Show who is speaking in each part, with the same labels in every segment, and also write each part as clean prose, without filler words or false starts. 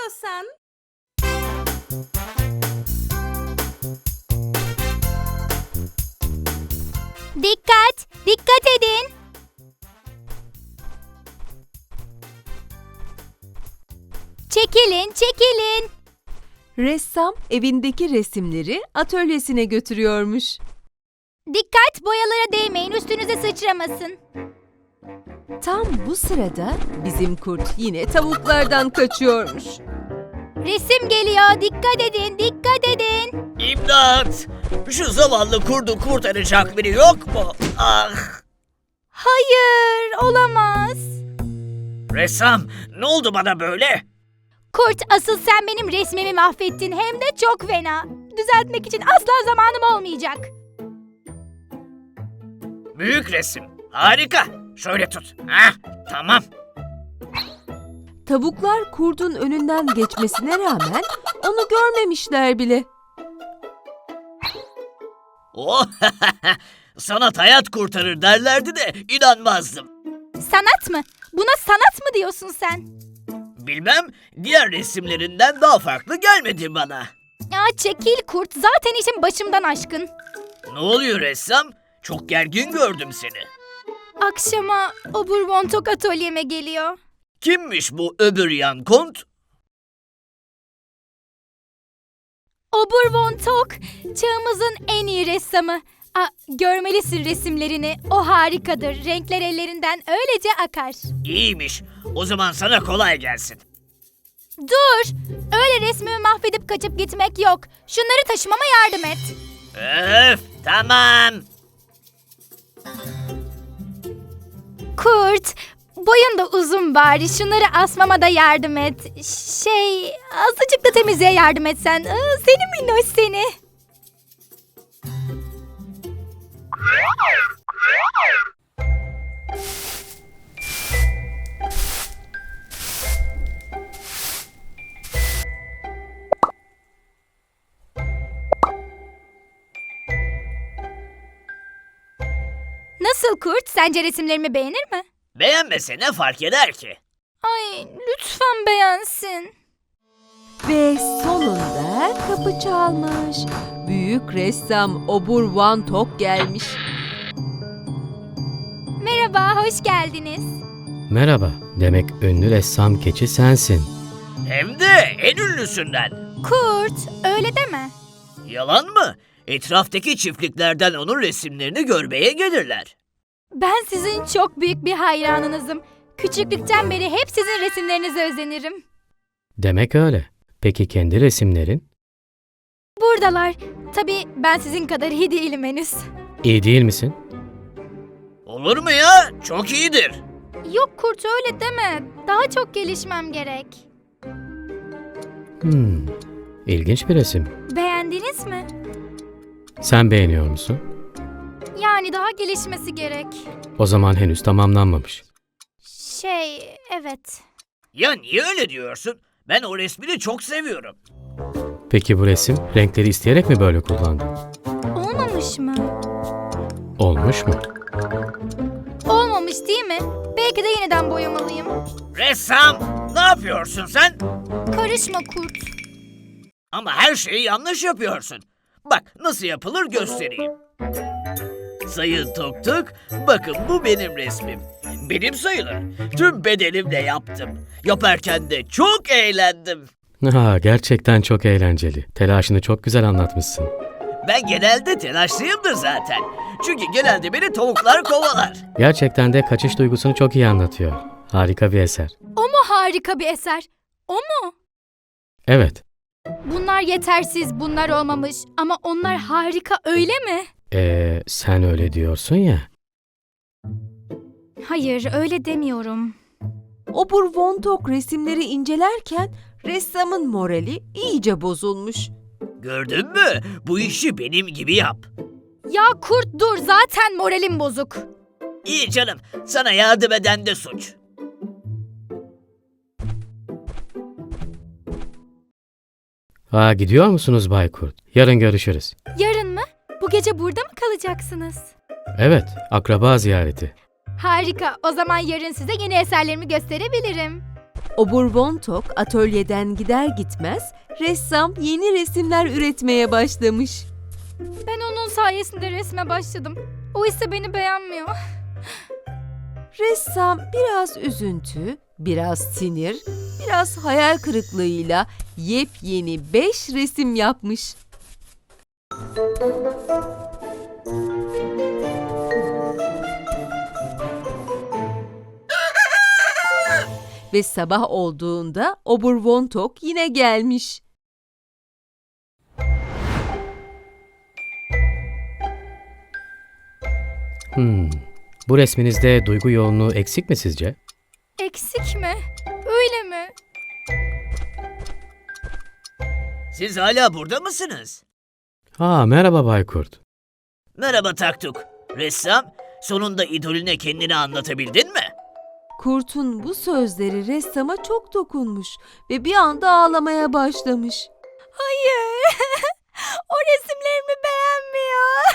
Speaker 1: istiyorsan.
Speaker 2: Dikkat! Dikkat edin! Çekilin, çekilin!
Speaker 3: Ressam evindeki resimleri atölyesine götürüyormuş.
Speaker 2: Dikkat, boyalara değmeyin, üstünüze sıçramasın.
Speaker 3: Tam bu sırada bizim kurt yine tavuklardan kaçıyormuş.
Speaker 2: Resim geliyor, dikkat edin, dikkat edin!
Speaker 4: İmdat! Şu zavallı kurdu kurtaracak biri yok mu? Ah!
Speaker 2: Hayır, olamaz.
Speaker 4: Ressam, ne oldu bana böyle?
Speaker 2: Kurt, asıl sen benim resmimi mahvettin, hem de çok fena. Düzeltmek için asla zamanım olmayacak.
Speaker 4: Büyük resim. Harika. Şöyle tut. Hah, tamam.
Speaker 3: Tavuklar kurdun önünden geçmesine rağmen onu görmemişler bile.
Speaker 4: Oh, sanat hayat kurtarır derlerdi de inanmazdım.
Speaker 2: Sanat mı? Buna sanat mı diyorsun sen?
Speaker 4: Bilmem, diğer resimlerinden daha farklı gelmedi bana.
Speaker 2: Ya çekil kurt, zaten işin başımdan aşkın.
Speaker 4: Ne oluyor ressam? Çok gergin gördüm seni.
Speaker 2: Akşama Obur Von Tok atölyeme geliyor.
Speaker 4: Kimmiş bu öbür yan kont?
Speaker 2: Obur Von Tok, çağımızın en iyi ressamı. Görmelisin resimlerini, o harikadır. Renkler ellerinden öylece akar.
Speaker 4: İyiymiş. O zaman sana kolay gelsin.
Speaker 2: Dur, öyle resmimi mahvedip kaçıp gitmek yok. Şunları taşımama yardım et.
Speaker 4: Öf, tamam.
Speaker 2: Kurt, boyun da uzun bari. Şunları asmama da yardım et. Azıcık da temizliğe yardım etsen. Seni minnoş seni. Nasıl kurt? Sence resimlerimi beğenir mi?
Speaker 4: Beğenmese ne fark eder ki?
Speaker 2: Ay, lütfen beğensin.
Speaker 3: Ve sonunda kapı çalmış. Büyük ressam Obur Van Tok gelmiş.
Speaker 2: Merhaba, hoş geldiniz.
Speaker 5: Merhaba, demek ünlü ressam keçi sensin.
Speaker 4: Hem de en ünlüsünden.
Speaker 2: Kurt, öyle deme.
Speaker 4: Yalan mı? Etraftaki çiftliklerden onun resimlerini görmeye gelirler.
Speaker 2: Ben sizin çok büyük bir hayranınızım. Küçüklükten beri hep sizin resimlerinize özenirim.
Speaker 5: Demek öyle. Peki kendi resimlerin?
Speaker 2: Buradalar. Tabii ben sizin kadar iyi değilim henüz.
Speaker 5: İyi değil misin?
Speaker 4: Olur mu ya? Çok iyidir.
Speaker 2: Yok Kurt, öyle deme. Daha çok gelişmem gerek.
Speaker 5: İlginç bir resim.
Speaker 2: Beğendiniz mi?
Speaker 5: Sen beğeniyor musun?
Speaker 2: Yani daha gelişmesi gerek.
Speaker 5: O zaman henüz tamamlanmamış.
Speaker 2: Evet.
Speaker 4: Ya niye öyle diyorsun? Ben o resmini çok seviyorum.
Speaker 5: Peki bu resim renkleri isteyerek mi böyle kullandın?
Speaker 2: Olmamış mı?
Speaker 5: Olmuş mu?
Speaker 2: Olmamış değil mi? Belki de yeniden boyamalıyım.
Speaker 4: Ressam, ne yapıyorsun sen?
Speaker 2: Karışma Kurt.
Speaker 4: Ama her şeyi yanlış yapıyorsun. Bak nasıl yapılır göstereyim. Sayın Tuk Tuk, bakın bu benim resmim. Benim sayılır. Tüm bedenimle yaptım. Yaparken de çok eğlendim.
Speaker 5: Gerçekten çok eğlenceli. Telaşını çok güzel anlatmışsın.
Speaker 4: Ben genelde telaşlıyımdır zaten. Çünkü genelde beni tavuklar kovalar.
Speaker 5: Gerçekten de kaçış duygusunu çok iyi anlatıyor. Harika bir eser.
Speaker 2: O mu harika bir eser? O mu?
Speaker 5: Evet.
Speaker 2: Bunlar yetersiz, bunlar olmamış. Ama onlar harika, öyle mi?
Speaker 5: Sen öyle diyorsun ya.
Speaker 2: Hayır, öyle demiyorum.
Speaker 3: Obur Von Tok resimleri incelerken ressamın morali iyice bozulmuş.
Speaker 4: Gördün mü? Bu işi benim gibi yap.
Speaker 2: Ya Kurt dur, zaten moralim bozuk.
Speaker 4: İyi canım, sana yardım eden de suç.
Speaker 5: Gidiyor musunuz Bay Kurt? Yarın görüşürüz.
Speaker 2: Yarın mı? Bu gece burada mı kalacaksınız?
Speaker 5: Evet, akraba ziyareti.
Speaker 2: Harika, o zaman yarın size yeni eserlerimi gösterebilirim.
Speaker 3: Obur Von Tok atölyeden gider gitmez ressam yeni resimler üretmeye başlamış.
Speaker 2: Ben onun sayesinde resme başladım. O ise beni beğenmiyor.
Speaker 3: Ressam biraz üzüntü, biraz sinir, biraz hayal kırıklığıyla yepyeni 5 resim yapmış. Ve sabah olduğunda Obur Von Tok yine gelmiş.
Speaker 5: Bu resminizde duygu yoğunluğu eksik mi sizce?
Speaker 2: Eksik mi? Öyle mi?
Speaker 4: Siz hala burada mısınız?
Speaker 5: Merhaba Bay Kurt.
Speaker 4: Merhaba Taktuk. Ressam, sonunda idolüne kendini anlatabildin mi?
Speaker 3: Kurt'un bu sözleri ressama çok dokunmuş ve bir anda ağlamaya başlamış.
Speaker 2: Hayır. O resimlerimi beğenmiyor.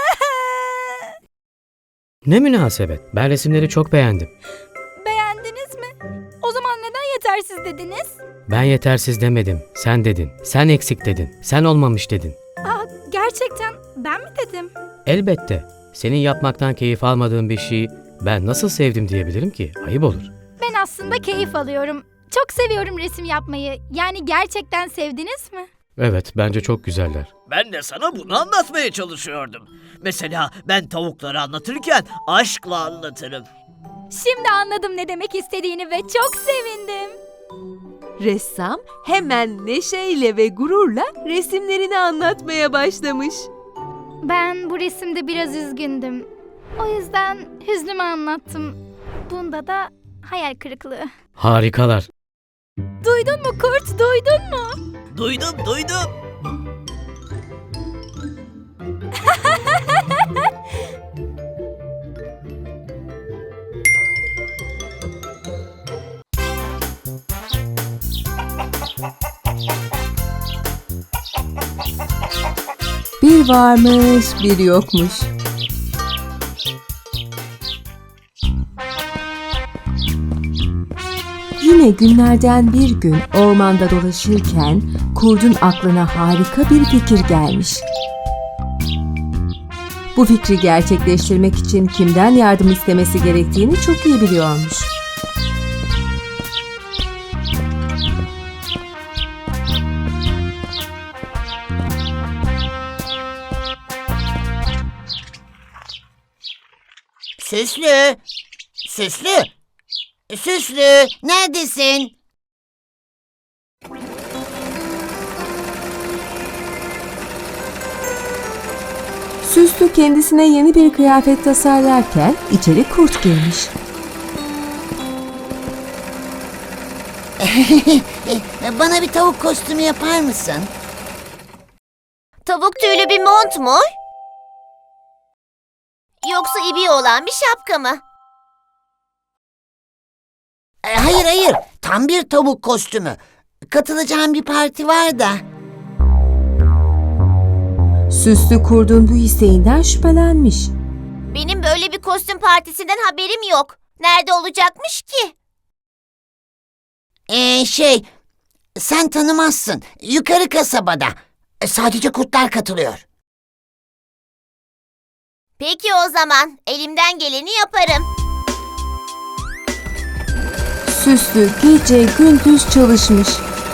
Speaker 5: Ne münasebet. Ben resimleri çok beğendim.
Speaker 2: Beğendiniz mi? O zaman neden yetersiz dediniz?
Speaker 5: Ben yetersiz demedim. Sen dedin. Sen eksik dedin. Sen olmamış dedin.
Speaker 2: Gerçekten ben mi dedim?
Speaker 5: Elbette. Senin yapmaktan keyif almadığın bir şeyi ben nasıl sevdim diyebilirim ki? Ayıp olur.
Speaker 2: Ben aslında keyif alıyorum. Çok seviyorum resim yapmayı. Yani gerçekten sevdiniz mi?
Speaker 5: Evet, bence çok güzeller.
Speaker 4: Ben de sana bunu anlatmaya çalışıyordum. Mesela ben tavukları anlatırken aşkla anlatırım.
Speaker 2: Şimdi anladım ne demek istediğini ve çok sevindim.
Speaker 3: Ressam hemen neşeyle ve gururla resimlerini anlatmaya başlamış.
Speaker 2: Ben bu resimde biraz üzgündüm. O yüzden hüznümü anlattım. Bunda da hayal kırıklığı.
Speaker 5: Harikalar.
Speaker 2: Duydun mu Kurt, duydun mu?
Speaker 4: Duydum.
Speaker 3: Bir varmış, bir yokmuş. Yine günlerden bir gün ormanda dolaşırken kurdun aklına harika bir fikir gelmiş. Bu fikri gerçekleştirmek için kimden yardım istemesi gerektiğini çok iyi biliyormuş.
Speaker 1: Süslü, neredesin?
Speaker 3: Süslü kendisine yeni bir kıyafet tasarlarken içeri kurt girmiş.
Speaker 1: Bana bir tavuk kostümü yapar mısın? Tavuk tüylü bir mont mu? Yoksa ibiği olan bir şapka mı? Hayır, tam bir tavuk kostümü. Katılacağım bir parti var da.
Speaker 3: Süslü kurdun bu isteğinden şüphelenmiş.
Speaker 6: Benim böyle bir kostüm partisinden haberim yok. Nerede olacakmış ki?
Speaker 1: Sen tanımazsın. Yukarı kasabada. Sadece kurtlar katılıyor.
Speaker 6: Peki o zaman elimden geleni yaparım.
Speaker 3: Süslü gece gündüz çalışmış.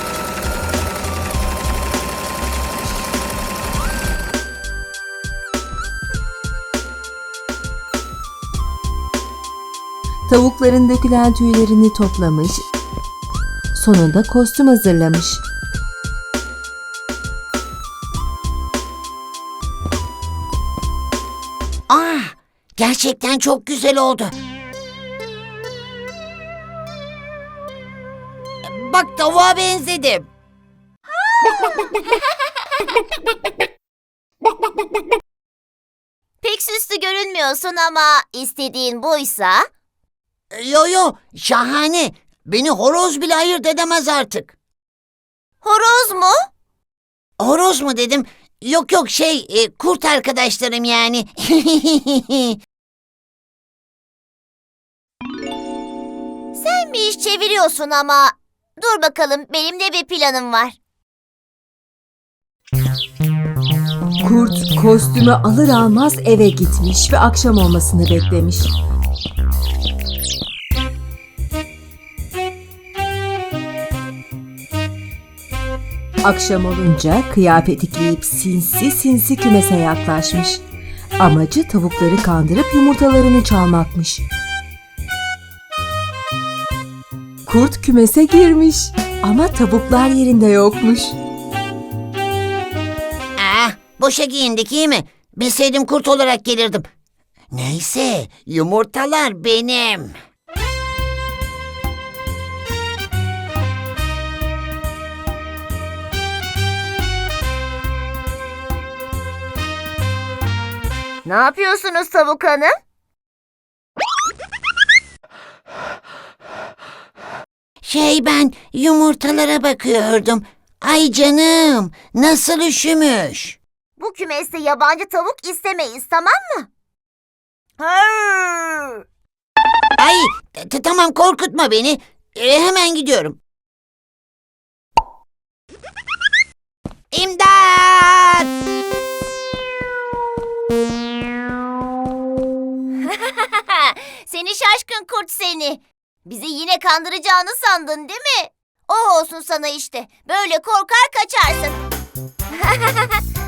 Speaker 3: Tavukların dökülen tüylerini toplamış. Sonunda kostüm hazırlamış.
Speaker 1: Gerçekten çok güzel oldu. Bak, tavuğa benzedim.
Speaker 6: Pek süslü görünmüyorsun ama istediğin buysa...
Speaker 1: Yo, şahane. Beni horoz bile ayırt edemez artık.
Speaker 6: Horoz mu?
Speaker 1: Horoz mu dedim? Yok, kurt arkadaşlarım yani.
Speaker 6: Sen bir iş çeviriyorsun ama Dur bakalım, benim de bir planım var.
Speaker 3: Kurt kostümü alır almaz eve gitmiş ve akşam olmasını beklemiş. Akşam olunca kıyafeti giyip sinsi sinsi kümese yaklaşmış. Amacı tavukları kandırıp yumurtalarını çalmakmış. Kurt kümese girmiş ama tavuklar yerinde yokmuş.
Speaker 1: Boşa giyindik iyi mi? Bilseydim kurt olarak gelirdim. Neyse, yumurtalar benim.
Speaker 6: Ne yapıyorsunuz Tavuk Hanım?
Speaker 1: Ben yumurtalara bakıyordum. Ay canım, nasıl üşümüş.
Speaker 6: Bu kümeste yabancı tavuk istemeyiz, tamam mı? Hırr!
Speaker 1: Ay, tamam korkutma beni. Hemen gidiyorum. İmdat!
Speaker 6: Seni şaşkın kurt seni. Bizi yine kandıracağını sandın değil mi? O olsun sana işte. Böyle korkar kaçarsın.